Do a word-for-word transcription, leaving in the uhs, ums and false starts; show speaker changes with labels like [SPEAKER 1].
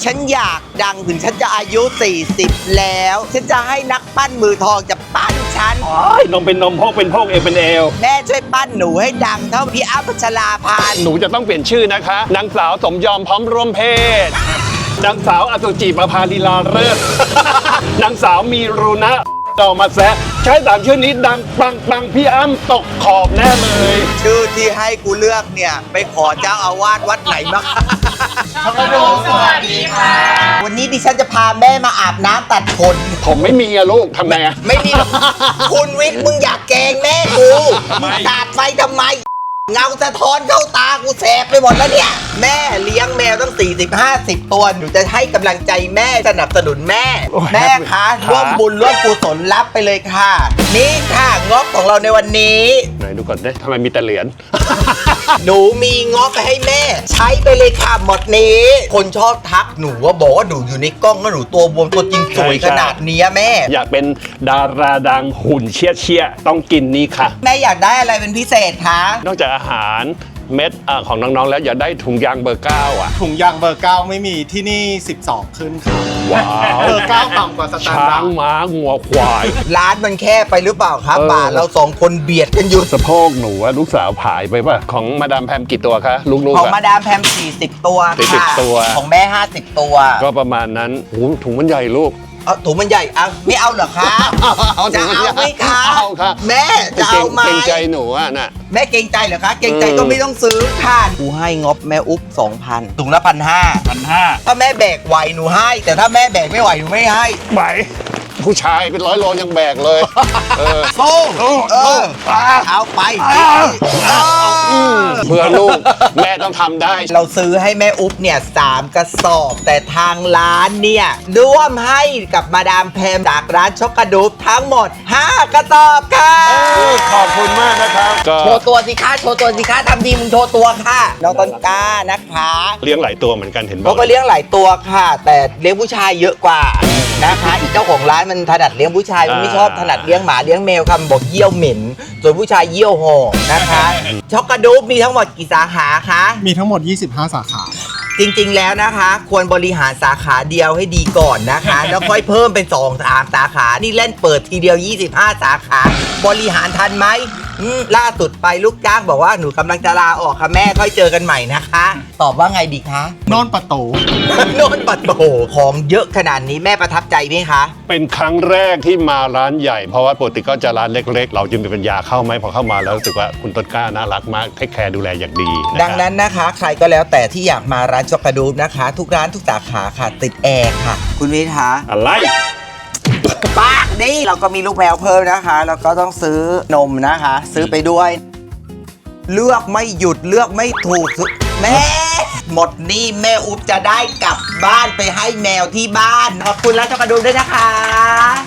[SPEAKER 1] ฉันอยากดังถึงฉันจะอายุสี่สิบแล้วฉันจะให้นักปั้นมือทองจะปั้นฉัน
[SPEAKER 2] นมเป็นนมพอกเป็นพอกเอวเป็นเอว
[SPEAKER 1] แม่ช่วยปั้นหนูให้ดังเท่าพี่อ้ำพัชราภา
[SPEAKER 2] หนูจะต้องเปลี่ยนชื่อนะคะนางสาวสมยอมพร้อมร่วมเพศนางสาวอสุจิประภาลีลาเลิศ นางสาวมีรุณะต่อมาแซะใช้สามชื่อนี้ดังปังปังพี่อ้ำตกขอบแน่เลย
[SPEAKER 1] ชื่อที่ให้กูเลือกเนี่ยไปขอเจ้าอาวาสวัดไหนมาสวัสดีค่ะวันนี้ดิฉันจะพาแม่มาอาบน้ำตัดขน
[SPEAKER 2] ผมไม่มีอะลูกทำไงอะ
[SPEAKER 1] ไม่มี คุณวิทย์มึงอยากแกล้งแม่กูมึงตาดไฟทำไมเงาสะท้อนเข้าตากูแสบไปหมดแล้วเนี่ยแม่เลี้ยงแมวตั้งสี่สิบ ห้าสิบตัวหนูจะให้กำลังใจแม่สนับสนุนแม่ แม่คะร่วมบุญร่วมกุศลรับไปเลยค่ะ นี่ค่ะงบของเราในวันนี้
[SPEAKER 2] ไหนดูก่อนได้ทำไมมีแต่เหรียญ
[SPEAKER 1] หนูมีงบไปให้แม่ ใช้ไปเลยค่ะหมดนี้ คนชอบทักหนูว่าบอกว่าหนูอยู่ในกล้องแล้วหนูตัวบวมตัวจริงสวยขนาดนี้แม่
[SPEAKER 2] อยากเป็นดาราดังหุ่นเชี่ยเชี่ยๆต้องกินนี่ค่ะ
[SPEAKER 1] แม่อยากได้อะไรเป็นพิเศษคะ
[SPEAKER 2] นอกจากอาหารเม็ดอ่ะของน้องๆแล้วอยากได้ถุงยางเบอร์เก้าอ่ะ
[SPEAKER 3] ถุงยางเบอร์เก้าไม่มีที่นี่สิบสองขึ้นค่ะ
[SPEAKER 2] ว้าว
[SPEAKER 3] เบอร์เก้าต่ำกว่าสแตน
[SPEAKER 2] ช้า
[SPEAKER 3] ดาร์
[SPEAKER 2] ง
[SPEAKER 3] ด
[SPEAKER 2] ม้างัวควาย
[SPEAKER 1] ร้านมันแคบไปหรือเปล่าครับ
[SPEAKER 2] เออ
[SPEAKER 1] ป่าเราสองคนเบียดกันอยู่
[SPEAKER 2] สะโพกหนูว่าลูกสาวผายไปป่ะ ของมาดามแพมกี่ตัวคะลูก
[SPEAKER 1] ของ
[SPEAKER 2] ๆ
[SPEAKER 1] มา
[SPEAKER 2] อะ
[SPEAKER 1] ดามแพมสี่สิบตัว
[SPEAKER 2] สี่สิบ
[SPEAKER 1] ค่ะ
[SPEAKER 2] ตัว
[SPEAKER 1] ของแม่ห้าสิบตัว
[SPEAKER 2] ก็ประมาณนั้นโอ้โหถุงมันใหญ่ลูก
[SPEAKER 1] เอาถุงมันใหญ่เอาไม่เอาเหรอคะ
[SPEAKER 2] เอาถุ
[SPEAKER 1] จะ
[SPEAKER 2] งมัน
[SPEAKER 1] เอา
[SPEAKER 2] ใหญ่
[SPEAKER 1] ไหมคะ
[SPEAKER 2] เอาค่ะ
[SPEAKER 1] แม่จะเอาไหม
[SPEAKER 2] เกรงใจหนูอ่ะน่ะ
[SPEAKER 1] แม่เกรงใจเหรอคะเกรงใจ
[SPEAKER 2] เออ
[SPEAKER 1] ก็ไม่ต้องซื้อค่ะกูให้งบแม่อุ๊บสองพันถุงละพันห้า
[SPEAKER 2] พันห้า
[SPEAKER 1] ถ้าแม่แบกไหวหนูให้ แต่ถ้าแม่แบกไม่ไหวหนูไม่ให้
[SPEAKER 2] ไหวผู้ชายเป็นร้อยโลยังแบกเลยเออ
[SPEAKER 1] สู้
[SPEAKER 2] โอ้
[SPEAKER 1] เอ
[SPEAKER 2] โอ้
[SPEAKER 1] อ
[SPEAKER 2] อ่า
[SPEAKER 1] เอาไป
[SPEAKER 2] อ่า
[SPEAKER 1] เออ
[SPEAKER 2] เพื่อลูกแม่ต้องทำได้
[SPEAKER 1] เราซื้อให้แม่อุ๊บเนี่ยสามกระสอบ แต่ทางร้านเนี่ยร่วมให้กับมาดามแพมจากร้านช็อกกระดูบทั้งหมดห้ากระสอบค่ะ
[SPEAKER 2] ขอบคุณมากนะครับก็
[SPEAKER 1] โชว์ตัวสิคะโชว์ตัวสิคะทำดีมึงโชว์ตัวค่ะน้องต้นกล้านะคะ
[SPEAKER 2] เลี้ยงหลายตัวเหมือนกันเห็นบอ
[SPEAKER 1] เขา
[SPEAKER 2] ก
[SPEAKER 1] ก็เลี้ยงหลายตัวค่ะ แต่เลี้ยงผู้ชายเยอะกว่านะคะอีกเจ้าของร้านมันถนัดเลี้ยงผู้ชายมันไม่ชอบถนัดเลี้ยงหมาเลี้ยงแมวคำบอกเยี่ยวเหม็นส่วนผู้ชายเยี่ยวหอนะคะช็อกกระดูบมีทั้งหมดกี่สาขาคะ
[SPEAKER 3] มีทั้งหมด ยี่สิบห้า สาขา
[SPEAKER 1] จริงๆ แล้วนะคะ ควรบริหารสาขาเดียวให้ดีก่อนนะคะ แล้วค่อยเพิ่มเป็นสองสามสาขา นี่เล่นเปิดทีเดียว ยี่สิบห้า สาขา บริหารทันไหมอืมล่าสุดไปลูกจ้างบอกว่าหนูกำลังจะลาออกค่ะแม่ค่อยเจอกันใหม่นะคะ ตอบว่าไงดีคะ
[SPEAKER 3] นอนประตู
[SPEAKER 1] โนนปัดโตของเยอะขนาดนี้แม่ประทับใจไหมคะ
[SPEAKER 2] เป็นครั้งแรกที่มาร้านใหญ่เพราะว่าปกติก็จะร้านเล็กๆ เราจึงมีปัญญาเข้าไหมพอเข้ามาแล้วรู้สึกว่าคุณต้นกล้าน่ารักมากเทคแคร์ดูแลอย่างดีะครับ
[SPEAKER 1] ดังนั้นนะคะ ใครก็แล้วแต่ที่อยากมาร้านช็อกกระดูบนะคะ ทุกร้านทุกสาขาค่ะติดแอร์ค่ะ คุณวิทย์คะ
[SPEAKER 2] อะไร
[SPEAKER 1] ปากนี่เราก็มีลูกแมวเพิ่มนะคะ แล้วก็ต้องซื้อนมนะคะ ซื้อไปด้วย เลือกไม่หยุดเลือกไม่ถูกแม่ หมดหนี่แม่อุ๊บจะได้กลับบ้านไปให้แมวที่บ้าน ขอบคุณร้านช็อกกระดูบด้วยนะคะ